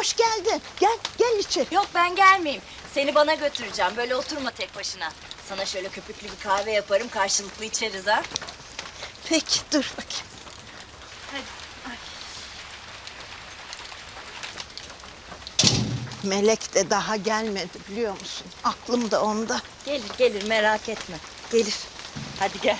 hoş geldin. Gel içeri. Yok ben gelmeyeyim. Seni bana götüreceğim. Böyle oturma tek başına. Sana şöyle köpüklü bir kahve yaparım. Karşılıklı içeriz ha. Peki dur bakayım. Melek de daha gelmedi biliyor musun? Aklım da onda. Gelir merak etme. Gelir. Hadi gel.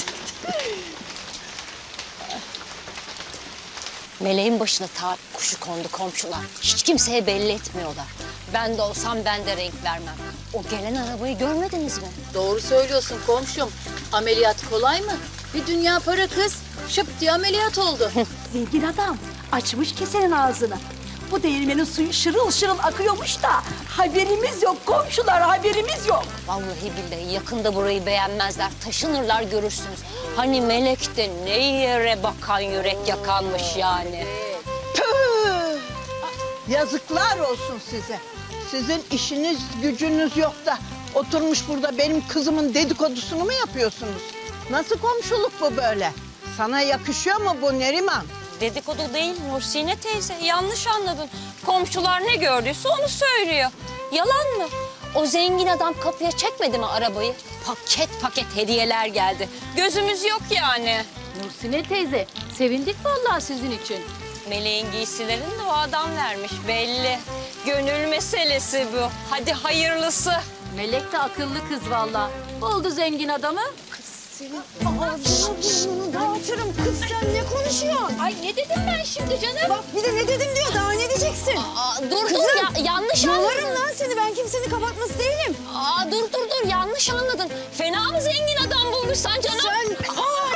Meleğin başına talih kuşu kondu komşular. Hiç kimseye belli etmiyorlar. Ben de olsam ben de renk vermem. O gelen arabayı görmediniz mi? Doğru söylüyorsun komşum. Ameliyat kolay mı? Bir dünya para kız. Şıp diye ameliyat oldu. Zengin adam açmış kesenin ağzını. Bu değirmenin suyu şırıl şırıl akıyormuş da haberimiz yok komşular, haberimiz yok. Vallahi billahi yakında burayı beğenmezler. Taşınırlar görürsünüz. Hani Melek de ne yere bakan yürek yakanmış yani. Tüh! Yazıklar olsun size. Sizin işiniz gücünüz yok da oturmuş burada benim kızımın dedikodusunu mu yapıyorsunuz? Nasıl komşuluk bu böyle? Sana yakışıyor mu bu Neriman? Dedikodu değil Nursine teyze. Yanlış anladın. Komşular ne gördüyse onu söylüyor. Yalan mı? O zengin adam kapıya çekmedi mi arabayı? Paket paket hediyeler geldi. Gözümüz yok yani. Nursine teyze, sevindik vallahi sizin için. Meleğin giysilerini de o adam vermiş belli. Gönül meselesi bu. Hadi hayırlısı. Melek de akıllı kız vallahi. Oldu zengin adamı. Dağıtırım kız, sen ne konuşuyorsun? Ay ne dedim ben şimdi canım? Bak bir de ne dedim diyor, daha ne diyeceksin? Dur yanlış anladın. Yolarım lan seni, ben kimsenin kapatması değilim. Dur yanlış anladın. Fena mı zengin adam bulmuşsan canım? Sen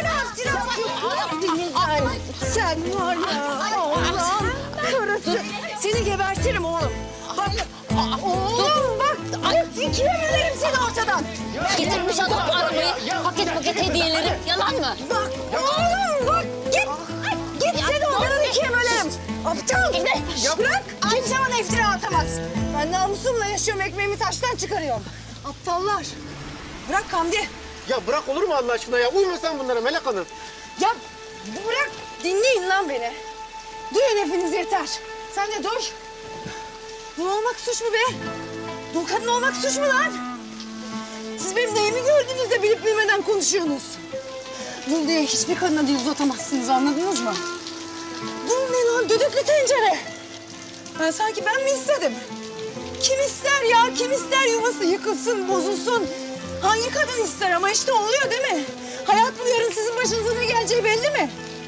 sen var ya Allah'ım karısı. Seni gebertirim oğlum. Bak oğlum bak. İkiye bölerim seni ortadan. Getirmiş adam arabayı, paket paket hediyeleri. Yalan mı? Bak oğlum bak git. Git seni ortadan ikiye bölerim. Aptal. Bırak. Kimse bana iftira atamaz. Ben namusumla yaşıyorum, ekmeğimi taştan çıkarıyorum. Aptallar. Bırak Hamdi. Ya bırak olur mu Allah aşkına ya? Uyma sen bunlara Melek Hanım. Ya bırak, dinleyin lan beni. Duyun hepiniz yeter. Sen de dur. Dul olmak suç mu be? Dul kadın olmak suç mu lan? Siz benim neyimi gördünüz de bilip bilmeden konuşuyorsunuz. Dul diye hiçbir kadına dil uzatamazsınız, anladınız mı? Dul ne lan, düdüklü tencere. Sanki ben mi istedim? Kim ister ya, kim ister yuvası yıkılsın, bozulsun? Hangi kadın ister ama işte oluyor değil mi? Hayat bu, yarın sizin başınıza ne geleceği belli mi?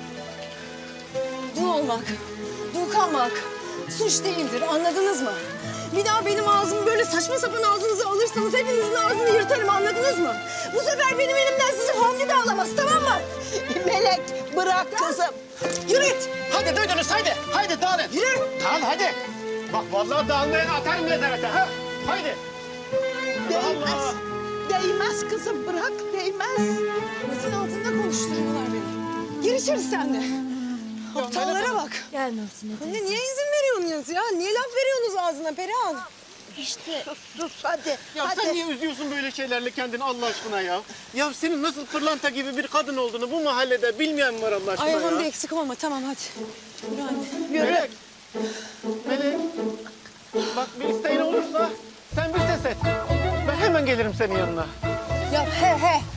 Dul olmak, dul kalmak suç değildir, anladınız mı? Bir daha benim ağzımı böyle saçma sapan ağzınıza alırsanız hepinizin ağzını yırtarım, anladınız mı? Bu sefer benim elimden sizi Hamdi de alamaz, tamam mı? Melek bırak kızım. Yürü git. Hadi duydunuz haydi. Haydi dağılın. Yürü. Dağıl hadi. Bak vallahi dağılmayan atarım nezarete ha. Haydi. Değmez. Değmez kızım, bırak değmez. Masanın altında konuşturuyorlar beni. Gir içeri sen de. Aptallara bak. Gel Nursine Anne niye izin veriyorsunuz ya? Niye laf veriyorsunuz ağzına Perihan? Sus hadi. Ya hadi. sen niye üzüyorsun böyle şeylerle kendini Allah aşkına ya? Ya senin nasıl pırlanta gibi bir kadın olduğunu bu mahallede bilmeyen mi var Allah aşkına Ay ya? Hamdi eksik olma, tamam hadi. Yürü anne. Melek. Melek. Bak bir isteğin olursa sen bir ses et. Ben hemen gelirim senin yanına. Ya he he.